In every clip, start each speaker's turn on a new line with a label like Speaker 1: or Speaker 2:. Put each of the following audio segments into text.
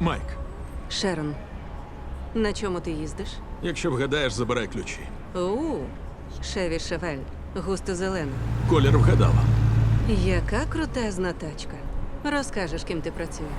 Speaker 1: Майк,
Speaker 2: Шерон, на чому ти їздиш?
Speaker 1: якщо вгадаєш, забирай ключі.
Speaker 2: Шеві Шевель, густо зелена.
Speaker 1: Колір вгадала.
Speaker 2: Яка крутезна тачка. Розкажеш, ким ти працюєш.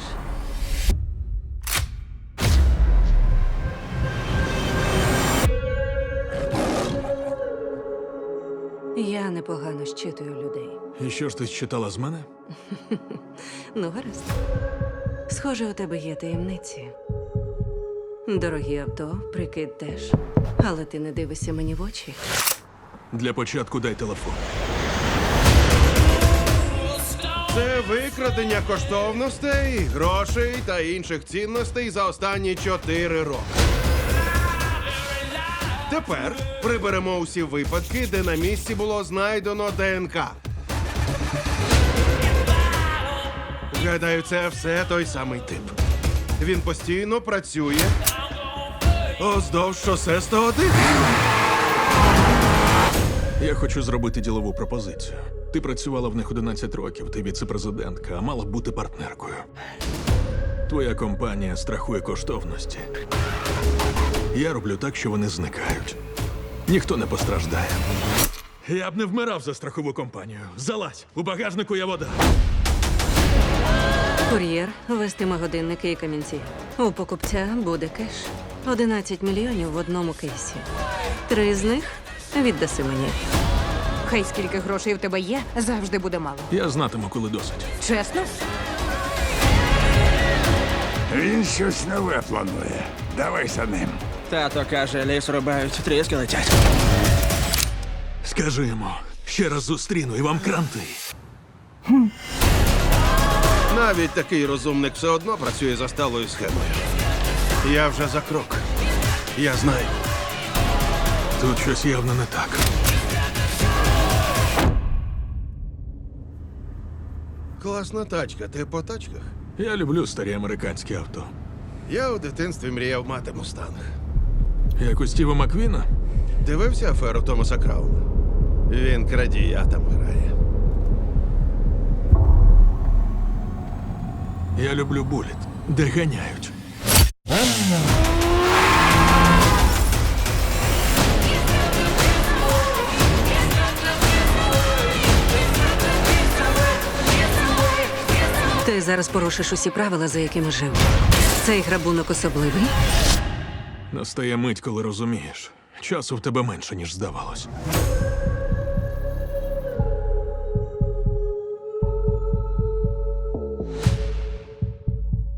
Speaker 2: Я непогано щитую людей.
Speaker 1: І що ж ти читала з мене?
Speaker 2: Ну, гаразд. Схоже, у тебе є таємниці. Дорогі авто, прикид теж. Але ти не дивишся мені в очі.
Speaker 1: Для початку дай телефон.
Speaker 3: Це викрадення коштовностей, грошей та інших цінностей за останні 4 роки. Тепер приберемо усі випадки, де на місці було знайдено ДНК. Гадаю, це все той самий тип. Він постійно працює уздовж шосе 101.
Speaker 1: Я хочу зробити ділову пропозицію. Ти працювала в них 11 років, ти віце-президентка, а мала б бути партнеркою. Твоя компанія страхує коштовності. Я роблю так, що вони зникають. Ніхто не постраждає. Я б не вмирав за страхову компанію. Залазь, у багажнику є вода.
Speaker 2: Кур'єр вестиме годинники і камінці. У покупця буде кеш. 11 мільйонів в одному кейсі. 3 з них віддаси мені.
Speaker 4: Хай скільки грошей в тебе є, завжди буде мало.
Speaker 1: Я знатиму, коли досить.
Speaker 4: Чесно?
Speaker 5: Він щось нове планує. Давай за ним.
Speaker 6: Тато каже, ліс рубають, тріски летять.
Speaker 1: Скажи йому, ще раз зустріну і вам кранти.
Speaker 3: Навіть такий розумник все одно працює за сталою схемою. Я вже за крок. Я знаю.
Speaker 1: Тут щось явно не так.
Speaker 3: Класна тачка. Ти по тачках?
Speaker 1: Я люблю старі американські авто.
Speaker 3: Я у дитинстві мріяв мати мустанг.
Speaker 1: Як у Стіва Маквіна?
Speaker 3: Дивився аферу Томаса Крауна? Він крадія там грає.
Speaker 1: Я люблю буліт, де ганяють.
Speaker 2: Ти зараз порушиш усі правила, за якими жив. Цей грабунок особливий.
Speaker 1: Настає мить, коли розумієш. Часу в тебе менше, ніж здавалось.